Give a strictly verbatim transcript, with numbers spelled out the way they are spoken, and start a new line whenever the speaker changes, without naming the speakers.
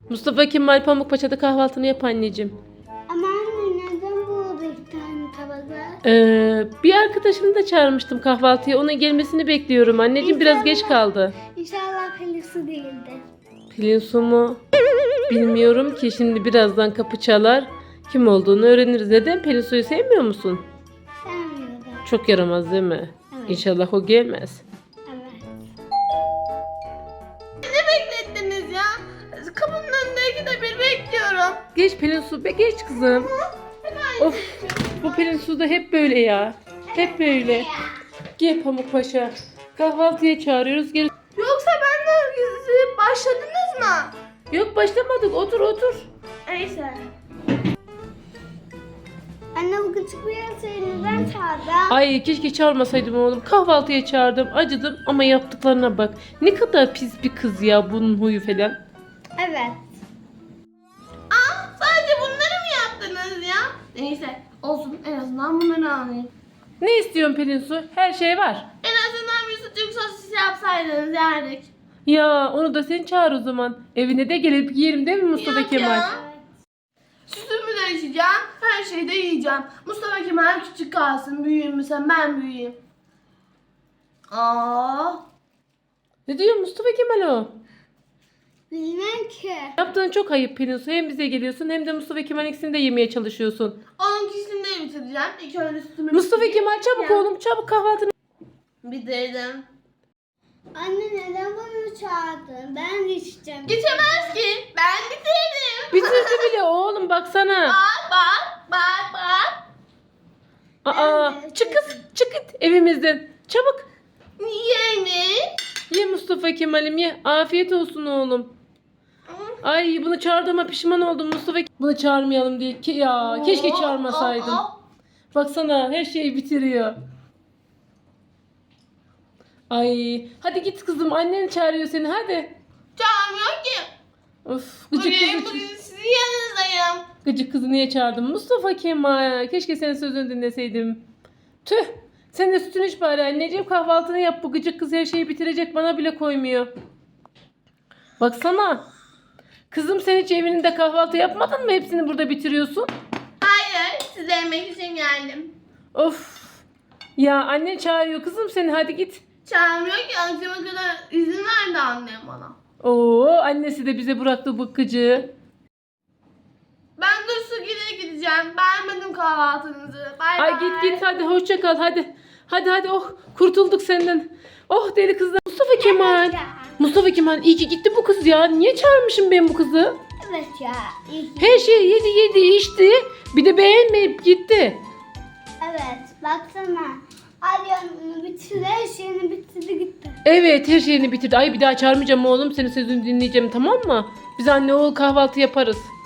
Mustafa Kemal Pamukpaşa'da kahvaltını yap anneciğim.
Ama anne neden burada iki tane tabak var?
Ee, bir arkadaşımı da çağırmıştım kahvaltıya. Onun gelmesini bekliyorum. Anneciğim biraz geç
İnşallah-
kaldı.
İnşallah Pelinsu değildir.
Pelin Su mu? Bilmiyorum ki. Şimdi birazdan kapı çalar. Kim olduğunu öğreniriz. Neden? Pelin Su'yu sevmiyor musun?
Sevmiyorum.
Çok yaramaz değil mi?
Evet.
İnşallah o gelmez.
Evet.
Ne beklettiniz ya? Kapının önünde iki de bir bekliyorum.
Geç Pelin Su be, geç kızım. Of, bu Pelin Su da hep böyle ya. Hep böyle. Gel Pamukpaşa. Kahvaltıya çağırıyoruz. Gel.
Yoksa benden gizli başladınız mı?
Yok başlamadık. Otur otur.
Neyse.
Anne bu küçük bir seni neden çağırdın?
Ay keşke çağırmasaydım oğlum. Kahvaltıya çağırdım. Acıdım ama yaptıklarına bak. Ne kadar pis bir kız ya bunun huyu falan.
Evet.
Aa, sadece bunları mı yaptınız ya? Neyse olsun, en azından bunları anlayın.
Ne istiyorsun Pelin Su? Her şey var.
En azından bir sucuk sosis yapsaydınız yerdik.
Ya onu da sen çağır o zaman. Evine de gelip yiyelim değil mi Mustafa
Yok
Kemal?
ya. Sütümü de içeceğim, her şeyi de yiyeceğim. Mustafa Kemal küçük kalsın, büyüyeyim mi sen, ben büyüyeyim. Aa,
Ne diyor Mustafa Kemal o?
Bilmem ki.
Yaptığın çok ayıp Pelin Su. Hem bize geliyorsun hem de Mustafa Kemal ikisini de yemeye çalışıyorsun.
onun kişisini de bitireceğim. İlk önce sütümü
Mustafa
bitireyim.
Kemal çabuk
Ya.
oğlum çabuk kahvaltını.
Bitirdim.
Anne neden bunu çağırdın? Ben de içeceğim.
Geçemez ki, ben bitirdim.
Bitirdi bile oğlum baksana.
Bak bak bak bak.
Aa,
Ben de
çık kız çık git evimizden. Çabuk.
Niye mi?
Ye Mustafa Kemal'im ye. Afiyet olsun oğlum. Ay bunu çağırdığıma pişman oldum Mustafa. Bunu çağırmayalım diye. Ki ya keşke çağırmasaydım.
Oh, oh,
Baksana her şeyi bitiriyor. Ay hadi git kızım annen çağırıyor seni hadi.
oh. Çağırmıyor ki.
Of gıcık
Bugün,
kızı.
bugün sizin yanınızdayım.
Gıcık kızı niye çağırdın? Mustafa Kemal. Keşke senin sözünü dinleseydim. Tüh. Sen de sütünü iç bari anneciğim. Kahvaltını yap. Bu gıcık kız her şeyi bitirecek. Bana bile koymuyor. Baksana. Kızım sen hiç evinde kahvaltı yapmadın mı? Hepsini burada bitiriyorsun.
Hayır, size yemek için geldim.
Of. Ya anne çağırıyor kızım seni. Hadi git.
Çağırmıyor ki, akşama kadar izin verdi annem bana.
Oo annesi de bize bıraktı bu gıcığı.
Ben dur su gidip gideceğim. Beğenmedim kahvaltınızı. Bay
Ay
bay.
git git hadi hoşça kal hadi. Hadi hadi oh kurtulduk senden. Oh deli kızlar. Mustafa Kemal.
ya.
Mustafa Kemal iyi ki gitti bu kız ya. Niye çağırmışım ben bu kızı?
Evet ya. iyi.
Her şeyi yedi yedi içti. Bir de beğenmeyip gitti.
Evet. Baksana. Alyonunu bitirdi. Her şeyini bitirdi gitti.
Evet her şeyini bitirdi. Ay bir daha çağırmayacağım oğlum. Senin sözünü dinleyeceğim tamam mı? Biz anne oğul kahvaltı yaparız.